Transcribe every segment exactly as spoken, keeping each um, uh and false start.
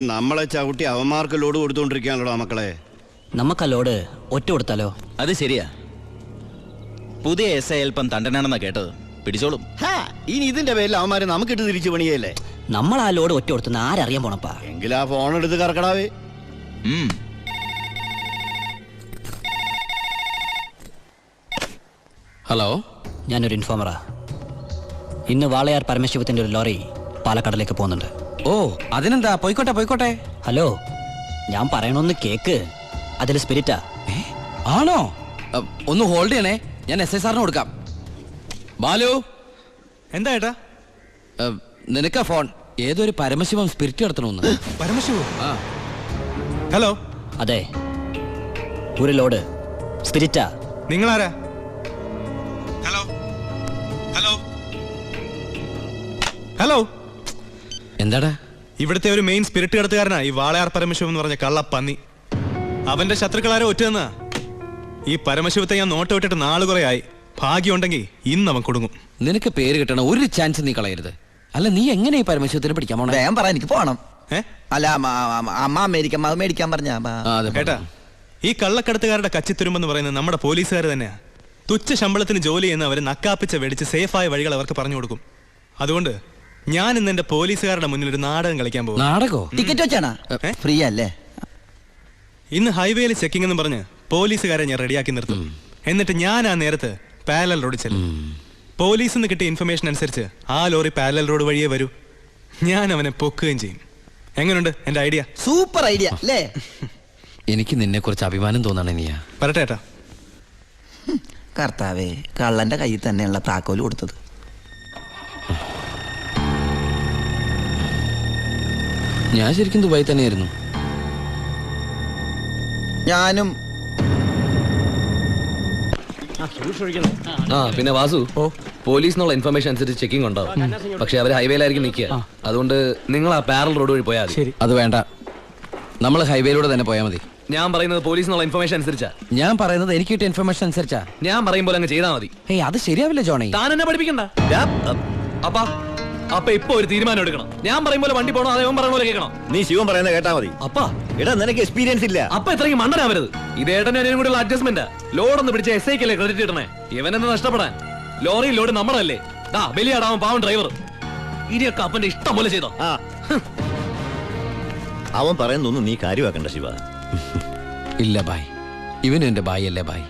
നമ്മളെ ചവിട്ടി അവന്മാർക്ക് ലോഡ് കൊടുത്തോണ്ടിരിക്കാനല്ലോ മക്കളെ. നമുക്ക് ആ ലോഡ് ഒറ്റ കൊടുത്താലോ? അത് ശരിയാ. പുതിയ എസ് ഐ അല്പം തണ്ടനാണെന്നാ കേട്ടത്. പിടിച്ചോളും. ഇനി ഇതിന്റെ പേരിൽ അവന്മാരെ നമുക്കിട്ട് തിരിച്ചു പണിയല്ലേ. നമ്മൾ ആ ലോഡ് ഒറ്റ കൊടുത്തുന്ന ആരറിയാൻ പോണപ്പാ. എങ്കിൽ ആ ഫോൺ എടുത്ത് കറക്കടാവേ. ഹലോ, ഞാനൊരു ഇൻഫോമറാ. ഇന്ന് വാളയാർ പരമശിവത്തിന്റെ ഒരു ലോറി പാലക്കാടിലേക്ക് പോകുന്നുണ്ട്. ഓ അതിനെന്താ, പോയിക്കോട്ടെ പോയിക്കോട്ടെ. ഹലോ, ഞാൻ പറയണൊന്ന് കേക്ക്. അതിൽ സ്പിരിറ്റാ. ആണോ? ഒന്ന് ഹോൾഡ് ചെയ്യണേ, ഞാൻ എസ് ഐ സാറിന് കൊടുക്കാം. ബാലു, എന്താ ഏട്ടാ? നിനക്കാ ഫോൺ. ഏതൊരു പരമശിവം സ്പിരിറ്റ് നടത്തണമെന്ന്. പരമശിവോ? ഹലോ. അതെ, ഒരു ലോഡ് സ്പിരിറ്റാ. നിങ്ങളാരാ? Hello hello hello. എന്താടാ? ഇവിടുത്തെ ഒരു മെയിൻ സ്പിരിറ്റ് കടത്തുകാരനാ ഈ വാളയാർ പരമശിവം എന്ന് പറഞ്ഞ കള്ളപ്പന്നി. അവന്റെ ശത്രുക്കളാരോ ഒറ്റന്നാ. ഈ പരമശിവത്തെ ഞാൻ നോട്ട് വിട്ടിട്ട് നാളു കുറെ ആയി. ഭാഗ്യമുണ്ടെങ്കിൽ ഇന്ന് അവൻ കൊടുങ്ങും. നിനക്ക് പേര് കിട്ടണ ഒരു ചാൻസ് നീ കളയരുത്. അല്ല, നീ എങ്ങനെ ഈ പരമശിവത്തിന് പിടിക്കാൻ പോണേ? വേഗം പറ, എനിക്ക് പോണം. ഏ അല്ല, അമ്മ അമേരിക്ക മേടിക്കാൻ പറഞ്ഞ കേട്ടാ. ഈ കള്ളക്കടത്തുകാരുടെ കച്ചിത്തുരുമ്പെന്ന് പറയുന്നത് നമ്മുടെ പോലീസുകാർ തന്നെയാ. തുച്ഛ ശമ്പളത്തിന് ജോലി ചെയ്യുന്ന അവര് നക്കാപ്പിച്ച വെടിച്ച് സേഫായ വഴികൾ അവർക്ക് പറഞ്ഞു കൊടുക്കും. അതുകൊണ്ട് ഞാൻ ഇന്ന് എന്റെ പോലീസുകാരുടെ മുന്നിൽ ഒരു നാടകം കളിക്കാൻ പോകും. നാടകോ? ടിക്കറ്റ് വെച്ചാണോ? ഫ്രീ അല്ലേ? ഇന്ന് ഹൈവേയിൽ ചെക്കിംഗ് എന്ന് പറഞ്ഞ് പോലീസുകാരെ ഞാൻ റെഡിയാക്കി നിർത്തും. എന്നിട്ട് ഞാൻ ആ നേരത്ത് പാരലൽ റോഡ് ചെല്ലും. പോലീസിൽ നിന്ന് കിട്ടിയ ഇൻഫർമേഷൻ അനുസരിച്ച് ആ ലോറി പാരലൽ റോഡ് വഴിയേ വരൂ. ഞാൻ അവനെ പൊക്കുകയും ചെയ്യും. എങ്ങനെയുണ്ട് എന്റെ ഐഡിയ? സൂപ്പർ ഐഡിയ അല്ലേ? എനിക്ക് നിന്നെ കുറിച്ച് അഭിമാനം തോന്നണേ. നീയാ പറട്ടെ ഏട്ടാ. കർത്താവേ, കള്ളന്റെ കയ്യിൽ തന്നെയുള്ള താക്കോല് കൊടുത്തത്. ഞാൻ ശരിക്കും ദുബായി തന്നെയായിരുന്നു. ഞാനും. ആ പിന്നെ വാസു, പോലീസിനുള്ള ഇൻഫർമേഷൻ അനുസരിച്ച് ചെക്കിംഗ് ഉണ്ടാവും. പക്ഷെ അവർ ഹൈവേയിലായിരിക്കും നിൽക്കുക. അതുകൊണ്ട് നിങ്ങൾ ആ പാരൽ റോഡ് വഴി പോയാൽ മതി. അത് വേണ്ട, നമ്മൾ ഹൈവേയിലൂടെ തന്നെ പോയാൽ മതി. ഞാൻ പറയുന്നത് പോലീസിനുള്ള ഇൻഫർമേഷൻ അനുസരിച്ചാ. ഞാൻ പറയുന്നത് എനിക്ക് കിട്ടിയ ഇൻഫർമേഷൻ അനുസരിച്ചാ. ഞാൻ പറയുമ്പോൾ അങ്ങ് ചെയ്താൽ മതി. ഏയ്, അത് ശരിയാവില്ല ജോണി. താൻ എന്നെ പഠിപ്പിക്കണ്ട. അപ്പാ അപ്പൊ ഇപ്പൊ ഒരു തീരുമാനം എടുക്കണം. ഞാൻ പറയുമ്പോൾ വണ്ടി പോകണോ അതേ പറയണ പോലെ കേൾക്കണം. നീ ശിവൻ പറയുന്നത് കേട്ടാ മതി. അപ്പാ എടാ, നിനക്ക് എക്സ്പീരിയൻസ് ഇല്ല. അപ്പൊ ഇത്രയും മണ്ടനാവരുത്. ഇത് ഏട്ടനും അനിയനും കൂടെയുള്ള അഡ്ജസ്റ്റ്മെന്റ്. ലോഡൊന്ന് പിടിച്ച എസ് ഐക്കല്ലേ ക്രെഡിറ്റ് കിട്ടണേ. ഇവനെന്ന് നഷ്ടപ്പെടാൻ. ലോറി ലോഡ് നമ്മളല്ലേ. ദാ ബലിയാടാവൻ പാവൻ ഡ്രൈവർ. ഇനിയൊക്കെ അപ്പന്റെ ഇഷ്ടം പോലെ ചെയ്തോ. അവൻ പറയുന്നൊന്നും നീ കാര്യമാക്കണ്ട ശിവ. ഇല്ല ബായ്, ഇവനും എന്റെ ബായ് അല്ലേ ബായ്.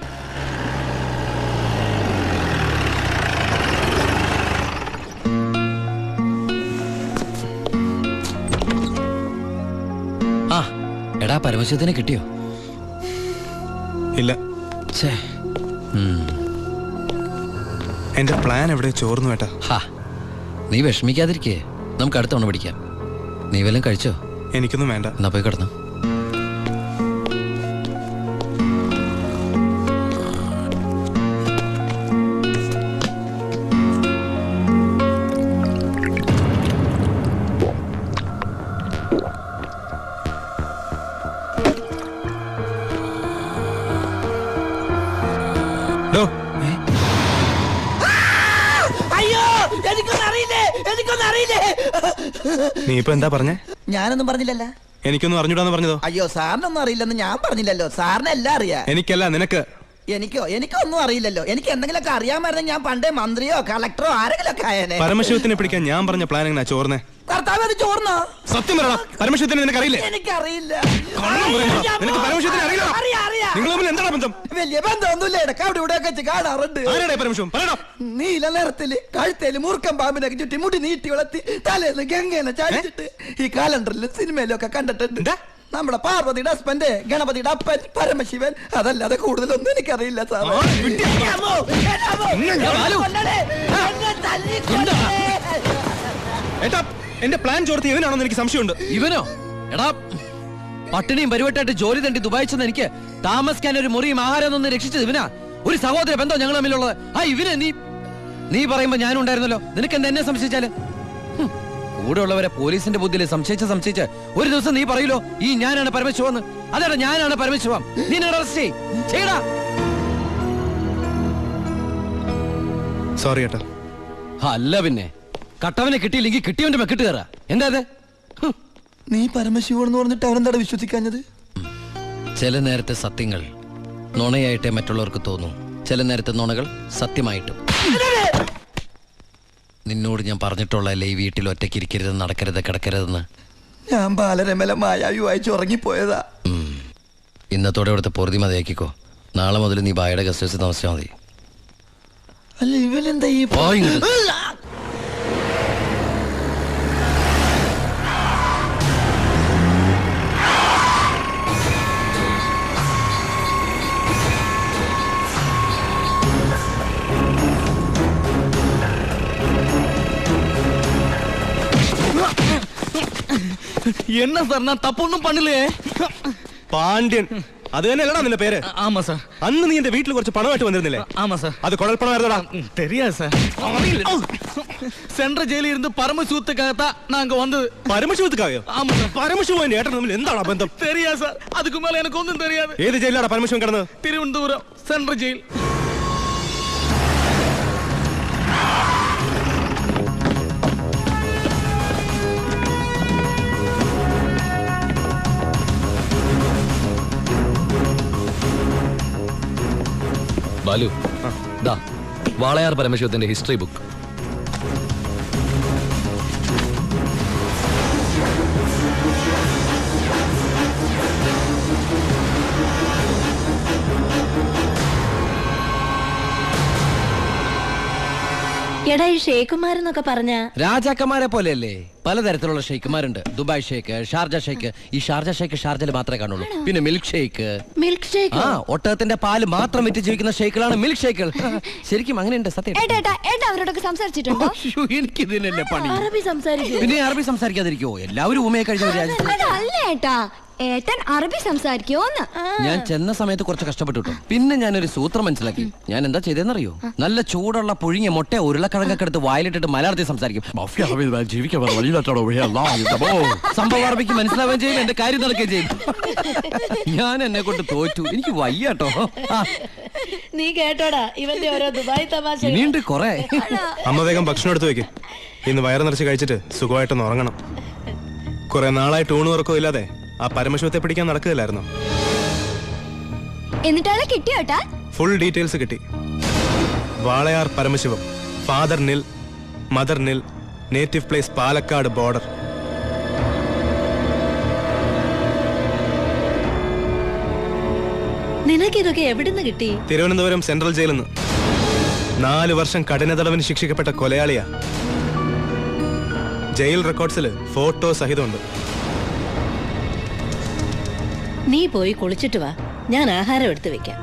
ആ എടാ, പരമശിവത്തിനെ കിട്ടിയോ? ഇല്ല. ഛേ, എന്റെ പ്ലാൻ എവിടെ ചോർന്നു ഏട്ടാ. ഹാ, നീ വിഷമിക്കാതിരിക്കേ. നമുക്ക് അടുത്ത തവണ പിടിക്കാം. നീ വല്ലതും കഴിച്ചോ? എനിക്കൊന്നും വേണ്ട. എന്നാ പോയി കിടന്നു. അയ്യോ, എനിക്കൊന്നും അറിയില്ലേ, എനിക്കൊന്നും അറിയില്ലേ. നീ ഇപ്പൊ എന്താ പറഞ്ഞേ? ഞാനൊന്നും പറഞ്ഞില്ലല്ലോ. എനിക്കൊന്നും അറിഞ്ഞൂടാന്ന് പറഞ്ഞതോ? അയ്യോ, സാറിനൊന്നും അറിയില്ലെന്ന് ഞാൻ പറഞ്ഞില്ലല്ലോ. സാറിന് എല്ലാം അറിയാം. എനിക്കല്ല, നിനക്ക്. എനിക്കോ? എനിക്കൊന്നും അറിയില്ലല്ലോ. എനിക്ക് എന്തെങ്കിലുമൊക്കെ അറിയാമായിരുന്നെങ്കിൽ ഞാൻ പണ്ടേ മന്ത്രിയോ കളക്ടറോ ആരെങ്കിലും ഒക്കെ ആയേനെ. പരമശിവത്തിനെ പിടിക്കാൻ ഞാൻ പറഞ്ഞ പ്ലാൻ എങ്ങനെയാ ചോർന്നേ? കർത്താവ്, അത് ചോർന്നോ? സത്യം പറയണം. പരമശിവത്തിനെ നിനക്കറിയില്ലേ? എനിക്കറിയില്ല. നിനക്ക് പരമശിവത്തിനെ അറിയില്ല? നിങ്ങൾ തമ്മിൽ എന്താണ് ബന്ധം? വലിയ ബന്ധമൊന്നുമില്ല. ഇടക്ക് അവിടെ ഇവിടെ വെച്ച് കാണാറുണ്ട്. ആരാടേ പരമശിവം? പറയണം. നീല നിറത്തില് കഴുത്തേല് മൂർക്കം പാമ്പിനൊക്കെ ചുറ്റി മുടി നീട്ടി വളർത്തി തലേന്ന് ഗംഗേനെ ചാടിച്ചിട്ട് ഈ കാലണ്ടറിലും സിനിമയിലും ഒക്കെ കണ്ടിട്ടുണ്ട്. നമ്മുടെ പാർവതിയുടെ ഹസ്ബൻഡ് ഗണപതിയുടെ അപ്പൻ പരമശിവൻ. അതല്ലാതെ കൂടുതലൊന്നും എനിക്കറിയില്ല സാർ. ഏട്ടാ, എന്റെ പ്ലാൻ ചോർത്തി ഇവനാണെന്ന് എനിക്ക് സംശയമുണ്ട്. ഇവനോ? എടാ, പട്ടിണിയും പരിവട്ടായിട്ട് ജോലി തണ്ടി ദുബായി ചെന്ന് എനിക്ക് താമസിക്കാൻ ഒരു മുറിയും ആഹാരം ഒന്ന് രക്ഷിച്ചത് ഇവനാ. ഒരു സഹോദര ബന്ധം ഞങ്ങൾ തമ്മിലുള്ളത്. ആ ഇവന് നീ നീ പറയുമ്പോ ഞാനും ഉണ്ടായിരുന്നല്ലോ. നിനക്ക് എന്താ എന്നെ സംശയിച്ചാല്? കൂടെ ഉള്ളവരെ പോലീസിന്റെ ബുദ്ധിയിൽ സംശയിച്ച് സംശയിച്ച് ഒരു ദിവസം നീ പറയൂലോ, ഈ ഞാനാണ് പരമശിവന്ന്. അതെടാ, ഞാനാണ് പരമശിവം. നീ അറസ്റ്റ് ചെയ്യടാ. സോറി ഏട്ടാ. അല്ല പിന്നെ, കട്ടവനെ കിട്ടിയില്ലെങ്കിൽ കിട്ടിയവന്റെ മെക്കിട്ട് കയറാ. എന്താ അത്? നീ പരമശിവനെന്ന് പറഞ്ഞിട്ട് അവനെന്താ വിശ്വസിക്കാഞ്ഞത്? ചില നേരത്തെ സത്യങ്ങൾ നുണയായിട്ടേ മറ്റുള്ളവർക്ക് തോന്നും, ചില നേരത്തെ നുണകൾ സത്യമായിട്ടും. നിന്നോട് ഞാൻ പറഞ്ഞിട്ടുള്ളതല്ലേ ഈ വീട്ടിൽ ഒറ്റയ്ക്ക് ഇരിക്കരുത്, നടക്കരുത്, കിടക്കരുതെന്ന്. ഞാൻ ബാലരമല മായാവി വായിച്ച് ഉറങ്ങിപ്പോയതാ. ഇന്നത്തോടെ ഇവിടുത്തെ പൊറുതി മതിയാക്കിക്കോ. നാളെ മുതൽ നീ ബായുടെ ഗസ്റ്റ് ഹൗസിൽ താമസിച്ചാൽ മതി. അല്ല ഇവനെന്താ ഈ പോ ഇങ്ങോട്ട്. என்ன சார் நான் தப்பு ஒன்றும் பண்ணலையே. പാണ്ഡ്യൻ അത് തന്നെയല്ലടാ നിന്റെ പേര്? ஆமா சார். അന്ന് നീ എന്റെ വീട്ടിൽ കുറച്ച് പണമായിട്ട് വന്നിരുന്നില്ലേ? ஆமா சார். അത് കുഴൽപ്പണമായിരുന്നടാ. தெரியாது சார். சென்ற ஜெயிலில் இருந்து பரமசிவத்துக்காகத்தான் நாங்க வந்தது. പരമശിവത്തുക്കായോ? ஆமா சார். പരമശിവൻ എന്റെ ഏട്ടൻ തമ്മിൽ എന്താണ് ബന്ധം? தெரியாது சார். அதுக்கு மேல எனக்கு ஒன்றும் தெரியாது. ഏത് ജയിലാടാ പരമശിവൻ കിടന്നത്? Thiruvananthapuram central jail. ബാലു, ദാ വാളയാർ പരമശിവത്തിന്റെ ഹിസ്റ്ററി ബുക്ക്. എടാ ഈ ഷേഖുമാരെന്നൊക്കെ പറഞ്ഞ രാജാക്കന്മാരെ പോലെയല്ലേ? പലതരത്തിലുള്ള ഷെയ്ക്കുമാരുണ്ട്. Dubai sheikh, Sharjah sheikh. ഈ ഷാർജ ഷേക്ക് ഷാർജയിൽ മാത്രമേ കാണുള്ളൂ. പിന്നെ മിൽക്ക് ഷേക്ക്. Milk shake? ആ, ഒട്ടകത്തിന്റെ പാല് മാത്രം വിറ്റ് ജീവിക്കുന്ന ഷേക്കുകളാണ് മിൽക്ക് ഷേക്കുകൾ. ശരിക്കും അങ്ങനെയുണ്ട്, സത്യം. അവരോടൊക്കെ സംസാരിച്ചിട്ടുണ്ടോ? എനിക്ക് ഇതിനല്ലേ പണി. അറബി സംസാരിക്കും. പിന്നെ അറബി സംസാരിക്കാതിരിക്കുവോ? എല്ലാവരും ഊമയെ കഴിഞ്ഞ ഒരു രാജ്യത്ത്. അല്ല ഏട്ടാ, ഏട്ടൻ അറബി സംസാരിക്കുമോന്ന്. ഞാൻ ചെന്ന സമയത്ത് കുറച്ച് കഷ്ടപ്പെട്ടു കേട്ടോ. പിന്നെ ഞാനൊരു സൂത്രം മനസ്സിലാക്കി. ഞാൻ എന്താ ചെയ്തെന്നറിയോ? നല്ല ചൂടുള്ള പുഴുങ്ങിയ മുട്ട ഉരുളക്കിഴങ്ങൊക്കെ എടുത്ത് വായിലിട്ടിട്ട് മലയാളത്തിൽ സംസാരിക്കും. സംഭവം അറബിക്ക് മനസ്സിലാവുകയും ചെയ്യും, എന്റെ കാര്യം നടക്കുകയും ചെയ്യും. ഞാൻ എന്നെ കൊണ്ട് തോറ്റു, എനിക്ക് വയ്യാട്ടോ. നീ കേട്ടോടാ ഇവന്റെ ഓരോ ദുബായ് തമാശ. ഇനിയുണ്ട് കൊറേ. അമ്മ വേഗം ഭക്ഷണം എടുത്തു വെക്ക്. ഇന്ന് വയറ് നിറച്ച് കഴിച്ചിട്ട് സുഖമായിട്ടൊന്ന് ഉറങ്ങണം. കുറെ നാളായിട്ട് ഊണ് ഉറക്കവും ഇല്ലാതെ ആ പരമശിവത്തെ പിടിക്കാൻ നടക്കുകയില്ലായിരുന്നു. എന്നിട്ടാളെ കിട്ടിയോട്ടാ? ഫുൾ ഡീറ്റെയിൽസ് കിട്ടി. Walayar Paramasivam, father nil, mother nil, native place Palakkad border. നിനക്കിതൊക്കെ എവിടുന്ന് കിട്ടി? തിരുവനന്തപുരം സെൻട്രൽ ജയിലിൽ നിന്ന്. നാല് വർഷം കഠിന തടവിന് ശിക്ഷിക്കപ്പെട്ട കൊലയാളിയാ. Jail റെക്കോർഡ്സിൽ photo സഹിതമുണ്ട്. നീ പോയി കുളിച്ചിട്ട് വാ, ഞാൻ ആഹാരം എടുത്തു വെക്കാം.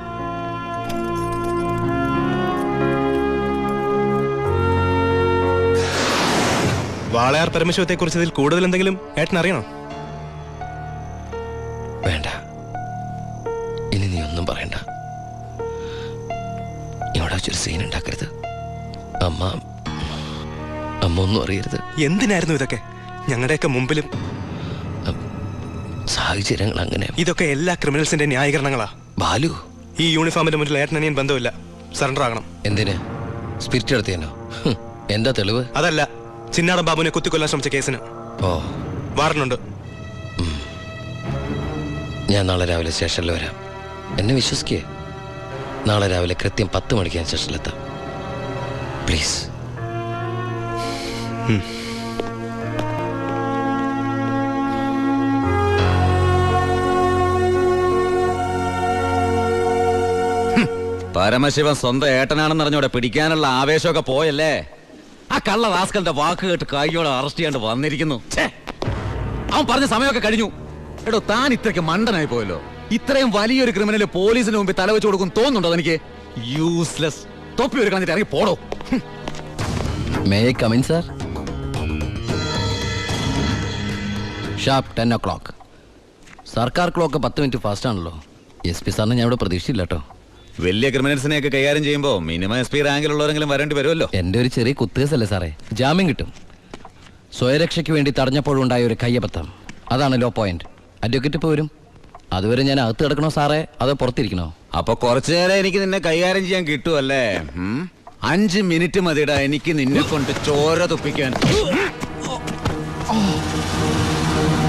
വാളയാർ പരമശിവത്തെ കുറിച്ച് ഇതിൽ കൂടുതൽ എന്തെങ്കിലും ഏട്ടൻ അറിയണോ? വേണ്ട, ഇനി നീ ഒന്നും പറയണ്ട. ഇവിടെ വെച്ചൊരു സീൻ ഉണ്ടാക്കരുത്. അമ്മ അമ്മ ഒന്നും അറിയരുത്. എന്തിനായിരുന്നു ഇതൊക്കെ? ഞങ്ങളുടെയൊക്കെ മുമ്പിലും. സാഹചര്യങ്ങൾ അങ്ങനെ. ഇതൊക്കെ എല്ലാ ക്രിമിനൽസിന്റെ ന്യായീകരണങ്ങളാ. ബാലു, ഈ യൂണിഫോമിന്റെ മുന്നിൽ ഏട്ടനനിയൻ ബന്ധമില്ല. സറണ്ടർ ആകണം. എന്തിന്? സ്പിരിറ്റ് എടുത്തേനോ? എന്താ തെളിവ്? അതല്ല, ചിന്നാടൻ ബാബുവിനെ കുത്തിക്കൊല്ലാൻ ശ്രമിച്ച കേസിന്. ഓ, വാറണ്ടുണ്ട്. ഞാൻ നാളെ രാവിലെ സ്റ്റേഷനിൽ വരാം. എന്നെ വിശ്വസിക്കേ. നാളെ രാവിലെ കൃത്യം പത്ത് മണിക്ക് ഞാൻ സ്റ്റേഷനിലെത്താം. പ്ലീസ്. പരമശിവൻ സ്വന്തം ഏട്ടനാണെന്ന് അറിഞ്ഞോടെ പിടിക്കാനുള്ള ആവേശമൊക്കെ പോയല്ലേ? ആ കള്ള റാസ്കലിന്റെ വാക്ക് കേട്ട് കൈയോടെ അറസ്റ്റ് ചെയ്യാണ്ട് വന്നിരിക്കുന്നു. അവൻ പറഞ്ഞ സമയമൊക്കെ കഴിഞ്ഞു. എടോ, താൻ ഇത്രയ്ക്ക് മണ്ടനായി പോയല്ലോ. ഇത്രയും വലിയൊരു ക്രിമിനല് പോലീസിന് മുമ്പിൽ തലവെച്ച് കൊടുക്കും തോന്നുന്നുണ്ടോ എനിക്ക്? യൂസ്ലെസ്. തൊപ്പി ഒരു കളഞ്ഞിട്ട് ഇറങ്ങി പോടോ. May I come in sir? Sharp ten o'clock. സർക്കാർ ക്ലോക്ക് പത്ത് മിനിറ്റ് ഫാസ്റ്റ് ആണല്ലോ. എസ് പി സാറിന് ഞാൻ ഇവിടെ പ്രതീക്ഷയില്ല കേട്ടോ. വലിയ ക്രിമിനൽസിനെയൊക്കെ കൈകാര്യം ചെയ്യുമ്പോൾ മിനിമം എസ് പി റാങ്കിലുള്ളവരെങ്കിലും വരേണ്ടി വരുമല്ലോ. എൻ്റെ ഒരു ചെറിയ കുത്തുകേസല്ലേ സാറേ, ജാമ്യം കിട്ടും. സ്വയരക്ഷയ്ക്ക് വേണ്ടി തടഞ്ഞപ്പോഴുണ്ടായ ഒരു കയ്യബദ്ധം, അതാണ് ലോ പോയിന്റ്. അഡ്വക്കേറ്റ് ഇപ്പോൾ വരും. അതുവരെ ഞാൻ അകത്ത് കിടക്കണോ സാറേ, അതോ പുറത്തിരിക്കണോ? അപ്പൊ കുറച്ചു നേരം എനിക്ക് നിന്നെ കൈകാര്യം ചെയ്യാൻ കിട്ടുമല്ലേ? അഞ്ച് മിനിറ്റ് മതിടാ എനിക്ക് നിന്നെ കൊണ്ട് ചോര തുപ്പിക്കാൻ.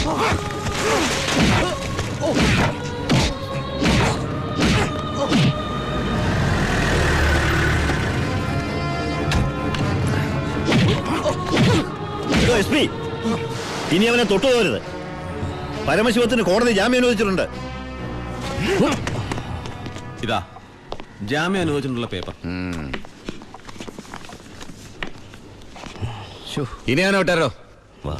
എസ് പി ഇനി അവനെ തൊട്ടു പോകരുത്. പരമശിവത്തിന് കോടതി ജാമ്യം അനുവദിച്ചിട്ടുണ്ട്. ഇതാ ജാമ്യം അനുവദിച്ചിട്ടുള്ള പേപ്പർ. ഇനി അവനെ വിട്ടാരോ? വാ.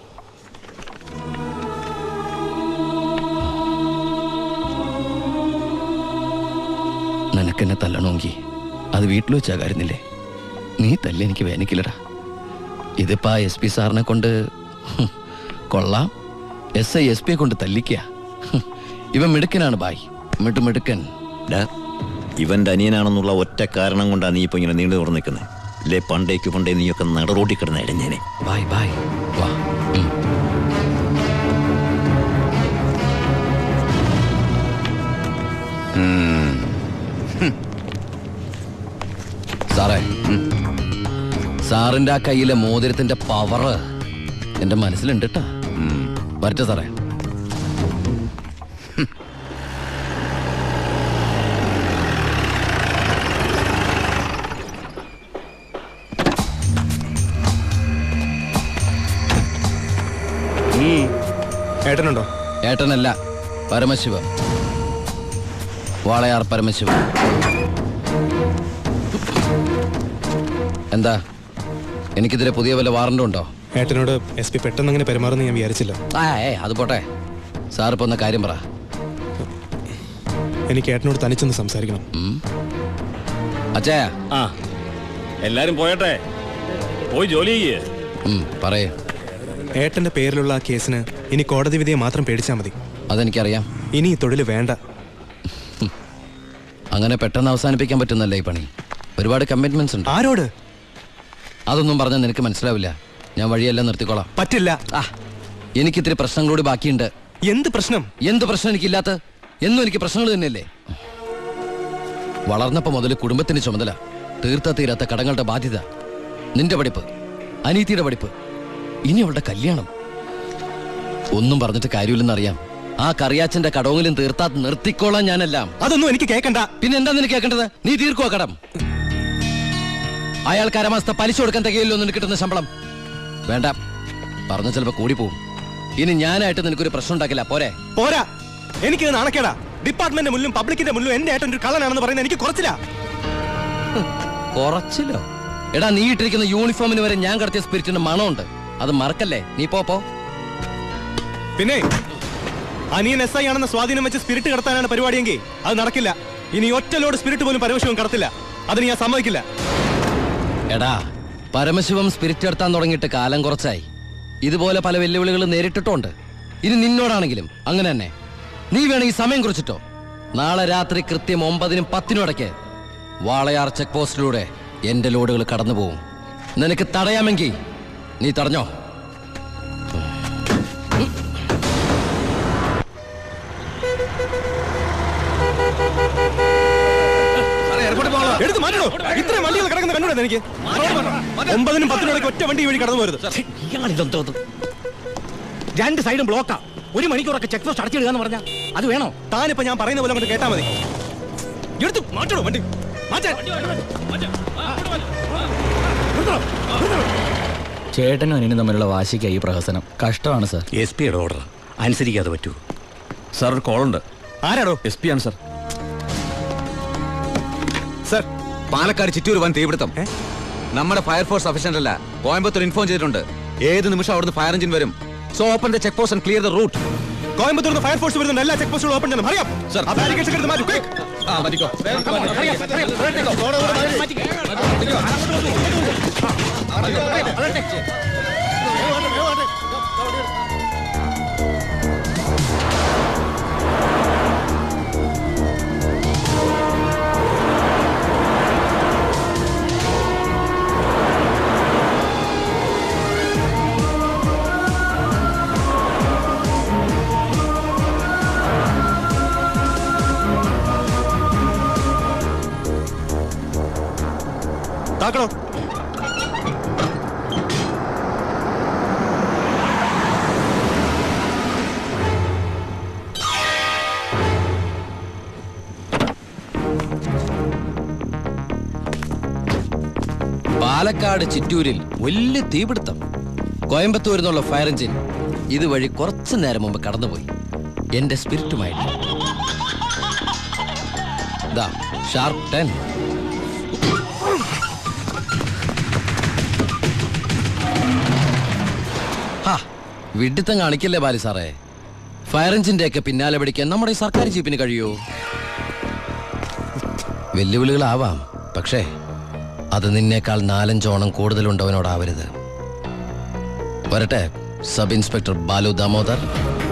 നിനക്കെന്നെ തല്ലണമെങ്കിൽ അത് വീട്ടിൽ വെച്ചാ കാര്യന്നില്ലേ? നീ തല്ലി എനിക്ക് വേനിക്കില്ലടാ. ഇതിപ്പോ ആ എസ് പി സാറിനെ കൊണ്ട് ഹും, കൊള്ളാം. എസ് ഐ എസ് പിയെ കൊണ്ട് തല്ലിക്കുക. ഹും, ഇവൻ മിടുക്കനാണ് ബായ്, മിട്ടു മിടുക്കൻ. ഡാ, ഇവന്റെ അനിയനാണെന്നുള്ള ഒറ്റ കാരണം കൊണ്ടാണ് നീ ഇപ്പൊ ഇങ്ങനെ നീണ്ടു തുറന്നു നിൽക്കുന്നത്. അല്ലേ പണ്ടേക്ക് പണ്ടേ നീയൊക്കെ നടറോട്ടി കിടന്ന ഇടഞ്ഞേനെ. ബായ് ബായ് വാ. ഉം. സാറേ, സാറിന്റെ ആ കയ്യിലെ മോതിരത്തിന്റെ പവറ് എന്റെ മനസ്സിലുണ്ട് കേട്ടാ. വരട്ടെ സാറേ. ഏട്ടനുണ്ടോ? ഏട്ടനല്ല, പരമശിവ. വാളയാർ പരമശിവ. എന്താ, എനിക്കിതിരെ പുതിയ വല്ല വാറണ്ടും ഉണ്ടോ? ഏട്ടനോട് എസ് പി പെട്ടെന്ന് അങ്ങനെ പെരുമാറുന്ന ഞാൻ വിചാരിച്ചില്ല. ആ ഏ അത് പോട്ടെ. സാറിപ്പോ ഒന്ന് കാര്യം പറ. എനിക്ക് ഏട്ടനോട് തനിച്ചൊന്ന് സംസാരിക്കണം. അച്ഛാ. ആ എല്ലാരും പോയട്ടെ, പോയി ജോലി ചെയ്യേ. പറയേ. ഏട്ടന്റെ പേരിലുള്ള ആ കേസിന് ഇനി കോടതി വിധിയെ മാത്രം പേടിച്ചാൽ മതി. അതെനിക്കറിയാം. ഇനി ഈ തൊഴിൽ വേണ്ട. അങ്ങനെ പെട്ടെന്ന് അവസാനിപ്പിക്കാൻ പറ്റുന്നല്ലേ ഈ പണി? ഒരുപാട് കമ്മിറ്റ്മെന്റ്സ് ഉണ്ട്. ആരോട്? അതൊന്നും പറഞ്ഞാൽ നിനക്ക് മനസ്സിലാവില്ല. ഞാൻ വഴിയെല്ലാം നിർത്തിക്കോളാം. പറ്റില്ല. ആ എനിക്കിത്തിരി പ്രശ്നങ്ങളോട് ബാക്കിയുണ്ട്. എന്ത് പ്രശ്നം? എന്ത് പ്രശ്നം എനിക്കില്ലാത്ത? എന്നും എനിക്ക് പ്രശ്നങ്ങൾ തന്നെയല്ലേ. വളർന്നപ്പോ മുതൽ കുടുംബത്തിന് ചുമതല, തീർത്ത തീരാത്ത കടങ്ങളുടെ ബാധ്യത, നിന്റെ പഠിപ്പ്, അനീതിയുടെ പഠിപ്പ്, ഇനി അവളുടെ കല്യാണം. ഒന്നും പറഞ്ഞിട്ട് കാര്യമില്ലെന്നറിയാം. ആ കറിയാച്ചന്റെ കടവെങ്കിലും തീർത്താ നിർത്തിക്കോളാം ഞാനെല്ലാം. അതൊന്നും എനിക്ക് കേൾക്കണ്ട. പിന്നെ എന്താ നിനക്ക് കേൾക്കേണ്ടത്? നീ തീർക്കുവാ കടം. അയാൾക്ക് അരമാസത്തെ പലിശ കൊടുക്കാൻ തികയില്ലോ നിനക്ക് കിട്ടുന്ന ശമ്പളം. വേണ്ട, പറഞ്ഞ ചിലപ്പോ കൂടി പോവും. ഇനി ഞാനായിട്ട് നിനക്കൊരു പ്രശ്നം ഉണ്ടാക്കില്ല. പോരെ? പോരാ, എനിക്ക് നാണക്കേടാ. ഡിപ്പാർട്ട്മെന്റ് മുന്നിലും പബ്ലിക്കിന്റെ മുന്നിലും എന്റെ ഏട്ടൻ ഒരു കള്ളനാണെന്ന് പറയുന്നത് എനിക്ക് കുറച്ചില്ല. കുറച്ചില്ലോ? എടാ, നീ ഇട്ടിരിക്കുന്ന യൂണിഫോമിന് വരെ ഞാൻ കടത്തിയ സ്പിരിറ്റിന്റെ മണമുണ്ട്. അത് മറക്കല്ലേ. നീ പോ പോ. പിന്നെ അനിയൻ എസ് ഐ ആണെന്ന സ്വാധീനം വെച്ച് സ്പിരിറ്റ് കടത്താനാണ് പരിപാടിയെങ്കിൽ അത് നടക്കില്ല. ഇനി ഒറ്റ ലോഡ് സ്പിരിറ്റ് പോലും പരമശിവം കടത്തില്ല. അതിന് ഞാൻ സമ്മതിക്കില്ല. എടാ, പരമശിവം സ്പിരിറ്റ് എടുത്താൻ തുടങ്ങിയിട്ട് കാലം കുറച്ചായി. ഇതുപോലെ പല വെല്ലുവിളികൾ നേരിട്ടിട്ടുണ്ട്. ഇനി നിന്നോടാണെങ്കിലും അങ്ങനെ തന്നെ. നീ വേണമെങ്കിൽ സമയം കുറിച്ചിട്ടോ. നാളെ രാത്രി കൃത്യം ഒമ്പതിനും പത്തിനും ഇടയ്ക്ക് വാളയാർ ചെക്ക് പോസ്റ്റിലൂടെ എന്റെ ലോഡുകൾ കടന്നു പോവും. നിനക്ക് തടയാമെങ്കിൽ നീ തടഞ്ഞോ. എടുത്ത് മാറ്റണോ? ഇത്രയും വണ്ടികൾ കിടക്കുന്ന കണ്ടുകൂടെ എനിക്ക്? ഒമ്പതിനും പത്തിനും ഇടയ്ക്ക് ഒറ്റ വണ്ടി വഴി കടന്നു പോരുത്. രണ്ട് സൈഡും ബ്ലോക്കാ. ഒരു മണിക്കൂറൊക്കെ ചെക്ക് പോസ്റ്റ് അടച്ചിടുക എന്ന് പറഞ്ഞാൽ അത് വേണോ? താനിപ്പോ ഞാൻ പറയുന്ന പോലെ കൊണ്ട് കേട്ടാ മതി. എടുത്ത് മാറ്റണോ വണ്ടി? മാറ്റാൻ. ചേട്ടനും അനിയനും തമ്മിലുള്ള വാശിക്കായി ഈ പ്രഹസനം. കഷ്ടമാണ് സാർ. എസ് പിയുടെ ഓർഡർ അനുസരിക്കാതെ പറ്റൂ. സാർ ഒരു കോളുണ്ട്. ആരാടോ? എസ് പി ആണ് സാർ. സർ, പാലക്കാട് ചിറ്റൂർ വൻ തീപിടുത്തം. നമ്മുടെ ഫയർഫോഴ്സ് സഫീഷ്യന്റ് അല്ല. കോയമ്പത്തൂർ ഇൻഫോം ചെയ്തിട്ടുണ്ട്. ഏത് നിമിഷം അവിടുന്ന് ഫയർ എഞ്ചിൻ വരും. So open the check post and clear the route. Coimbatore fire force വരുന്നുണ്ട്. എല്ലാ ചെക്ക് പോസ്റ്റുകളും ഓപ്പൺ ചെയ്യണം. അറിയാം സർ. ആ ബാരിക്കേഡ്സ് എടുത്ത് മാറ്റൂ. Quick. ആ മതിക്കോ. താക്കണോ? പാലക്കാട് ചിറ്റൂരിൽ വലിയ തീപിടുത്തം. കോയമ്പത്തൂരിൽ നിന്നുള്ള ഫയർ എഞ്ചിൻ ഇതുവഴി കുറച്ചു നേരം മുമ്പ് കടന്നുപോയി എന്റെ സ്പിരിറ്റുമായിട്ട്. ദാ ഷാർപ്പ് ടെൻ. ഹാ, വിഡിത്തം കാണിക്കല്ലേ ബാലി സാറേ. ഫയർ എഞ്ചിന്റെ ഒക്കെ പിന്നാലെ പിടിക്കാൻ നമ്മുടെ ഈ സർക്കാർ ജീപ്പിന് കഴിയോ? വെല്ലുവിളികളാവാം, പക്ഷേ അത് നിന്നേക്കാൾ നാലഞ്ചോണം കൂടുതലുണ്ടവനോടാവരുത്. വരട്ടെ സബ് ഇൻസ്പെക്ടർ ബാലു ദാമോദർ.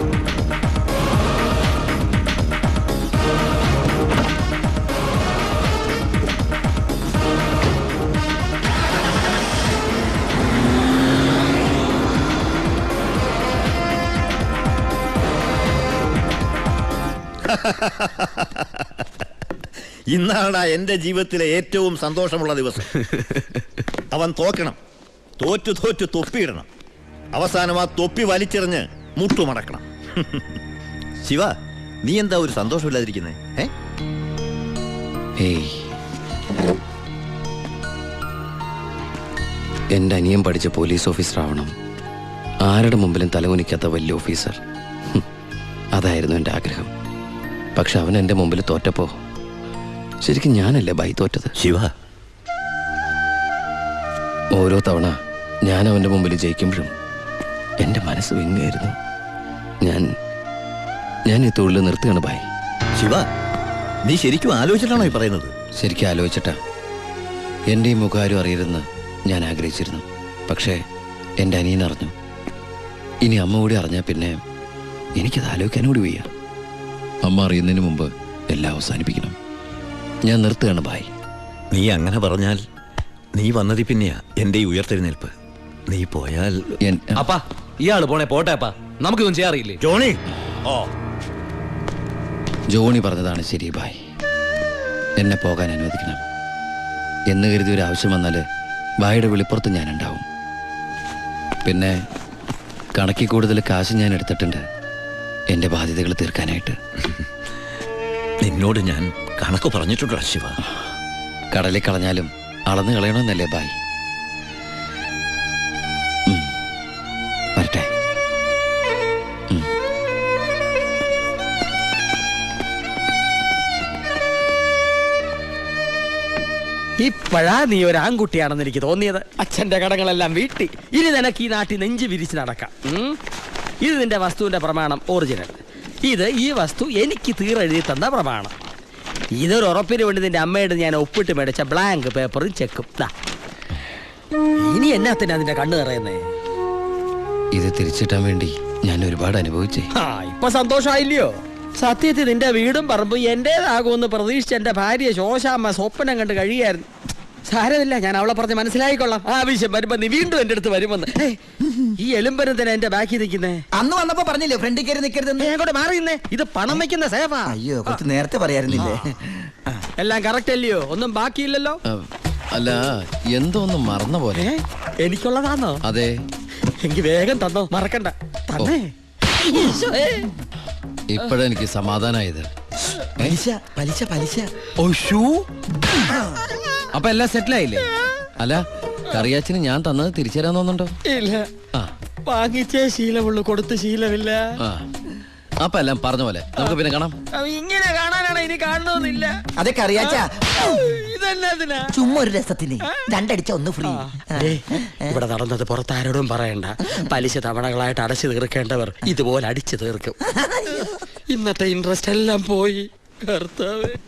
ഇന്നാണ് എന്റെ ജീവിതത്തിലെ ഏറ്റവും സന്തോഷമുള്ള ദിവസം. അവൻ തോക്കണം, തോറ്റു തോറ്റു തൊപ്പിയിടണം, അവസാനം ആ തൊപ്പി വലിച്ചെറിഞ്ഞ് മുട്ടുമടക്കണം. ശിവ, നീ എന്താ ഒരു സന്തോഷമില്ലാതിരിക്കുന്നേ? ഏയ്, എന്റെ അനിയൻ പഠിച്ച പോലീസ് ഓഫീസർ ആവണം, ആരുടെ മുമ്പിലും തലകുനിക്കാത്ത വലിയ ഓഫീസർ. ഹും, അതായിരുന്നു എൻ്റെ ആഗ്രഹം. പക്ഷെ അവൻ എൻ്റെ മുമ്പിൽ തോറ്റപ്പോ ശരിക്കും ഞാനല്ലേ ബൈ തോറ്റത്? ശിവ, ഓരോ തവണ ഞാൻ അവൻ്റെ മുമ്പിൽ ജയിക്കുമ്പോഴും എൻ്റെ മനസ്സ് വിങ്ങായിരുന്നു. ഞാൻ ഞാൻ ഈ തൊഴിൽ നിർത്തുകയാണ് ബായ്. ശിവ, നീ ശരിക്കും ആലോചിച്ചിട്ടാണോ ഈ പറയുന്നത്? ശരിക്കും ആലോചിച്ചിട്ടാ. എൻ്റെ ഈ മുഖാരും അറിയരുതെന്ന് ഞാൻ ആഗ്രഹിച്ചിരുന്നു. പക്ഷേ എൻ്റെ അനിയൻ അറിഞ്ഞു. ഇനി അമ്മ കൂടി അറിഞ്ഞാൽ പിന്നെ എനിക്കത് ആലോചിക്കാനും കൂടി വയ്യ. അമ്മ അറിയുന്നതിന് മുമ്പ് എല്ലാം അവസാനിപ്പിക്കണം. ഞാൻ നിർത്തുകയാണ് ബായ്. നീ അങ്ങനെ പറഞ്ഞാൽ നീ വന്നതി പിന്നെയാ എന്റെ ഈ ഉയർത്തെഴുന്നേൽപ്പ്. നീ പോയാൽ അപ്പാ, ഇയാള് പോണേ പോട്ടെ അപ്പാ, നമുക്കൊന്നും ചെയ്യാറില്ലേ? ജോണി, ഓ ജോണി പറഞ്ഞതാണ് ശരി ബായ്. എന്നെ പോകാൻ അനുവദിക്കണം. എന്ന് കരുതി ഒരു ആവശ്യം വന്നാൽ ബായുടെ വെളിപ്പുറത്ത് ഞാനുണ്ടാവും. പിന്നെ കണക്കിൽ കൂടുതൽ കാശ് ഞാൻ എടുത്തിട്ടുണ്ട് എൻ്റെ ബാധ്യതകൾ തീർക്കാനായിട്ട്. നിന്നോട് ഞാൻ കണക്ക് പറഞ്ഞിട്ടുണ്ടോ ശിവ? കടലിൽ കളഞ്ഞാലും അളന്ന് കളയണമെന്നല്ലേ ബായ്? ഉം. വരട്ടെ. ഉം. ഇപ്പോഴാ നീ ഒരു ആൺകുട്ടിയാണെന്ന് എനിക്ക് തോന്നിയത്. അച്ഛന്റെ കടങ്ങളെല്ലാം വീട്ടി ഇനി നിനക്ക് ഈ നാട്ടിൽ നെഞ്ച് വിരിച്ച് നടക്കാം. ഉം. ഇത് നിന്റെ വസ്തുവിന്റെ പ്രമാണം ഒറിജിനൽ. ഇത് ഈ വസ്തു എനിക്ക് തീരെഴുതി തന്ന പ്രമാണം. ഇതൊരു ഉറപ്പിന് വേണ്ടി നിന്റെ അമ്മയുടെ ഞാൻ ഒപ്പിട്ട് മേടിച്ച ബ്ലാങ്ക് പേപ്പറും ചെക്കും. ഇനി എന്നാത്തിനാ നിന്റെ കണ്ണു നിറയുന്നേ? ഇത് തിരിച്ചിട്ടാൻ വേണ്ടി ഞാൻ ഒരുപാട് അനുഭവിച്ചേ. ആ, ഇപ്പൊ സന്തോഷമായില്ലയോ? സത്യത്തിൽ നിന്റെ വീടും പറമ്പും എന്റേതാകുമെന്ന് പ്രതീക്ഷിച്ച എന്റെ ഭാര്യ ശോശാമ്മ സ്വപ്നം കണ്ട് കഴിയായിരുന്നു. സാരമില്ല, ഞാൻ അവളെ പറഞ്ഞ് മനസ്സിലായിക്കൊള്ളാം. ആവശ്യം വരുമ്പോ നീ വീണ്ടും എന്റെ അടുത്ത് വരുമെന്ന്. ഈ എലുമ്പനും തന്നെ എന്റെ ബാക്കി നിൽക്കുന്നേ. അന്ന് വന്നപ്പോ പറഞ്ഞില്ലേ ഫ്രണ്ടിൽ കയറി നിൽക്കരുതെന്ന്? അങ്ങോട്ട് മാറിയുന്നേ, ഇത് പണം വെക്കുന്ന സേവാ. അയ്യോ, കുറച്ച് നേരത്തെ പറയായിരുന്നില്ലേ? എല്ലാം കറക്റ്റ് അല്ലയോ? ഒന്നും ബാക്കിയില്ലല്ലോ. അല്ല, എന്തോ ഒന്ന് മറന്ന പോലെ. എനിക്കുള്ളതാണോ? അതെ. എനിക്ക് വേഗം തന്നോ, മറക്കണ്ട. തന്നേ. ഇപ്പോഴെനിക്ക് സമാധാനായത്. പലിശ പലിശ പലിശ. അപ്പൊ എല്ലാം സെറ്റിലായില്ലേ? അല്ല, കറിയാച്ചിന് ഞാൻ തന്നത് തിരിച്ചു തരാൻ തോന്നുന്നുണ്ടോ? ഇല്ല, വാങ്ങിച്ചേ ശീലമുള്ളൂ, കൊടുത്ത് ശീലമില്ല. ആ, അപ്പൊ എല്ലാം പറഞ്ഞ പോലെ നമുക്ക് പിന്നെ കാണാം. ഇങ്ങനെ കാണാനാണ് ഇനി കാണണമെന്നില്ല. അതൊക്കെ അറിയാച്ചാ. ഇതെന്നാ ചുമ്മാ ഒരു രസത്തിന് രണ്ടടിച്ച ഒന്ന് ഫ്രീ. ഇവിടെ നടന്നത് പുറത്താരോടും പറയണ്ട. പലിശ തവണകളായിട്ട് അടച്ചു തീർക്കേണ്ടവർ ഇതുപോലെ അടിച്ചു തീർക്കും. ഇന്നത്തെ ഇൻട്രസ്റ്റ് എല്ലാം പോയി. കർത്താവേ.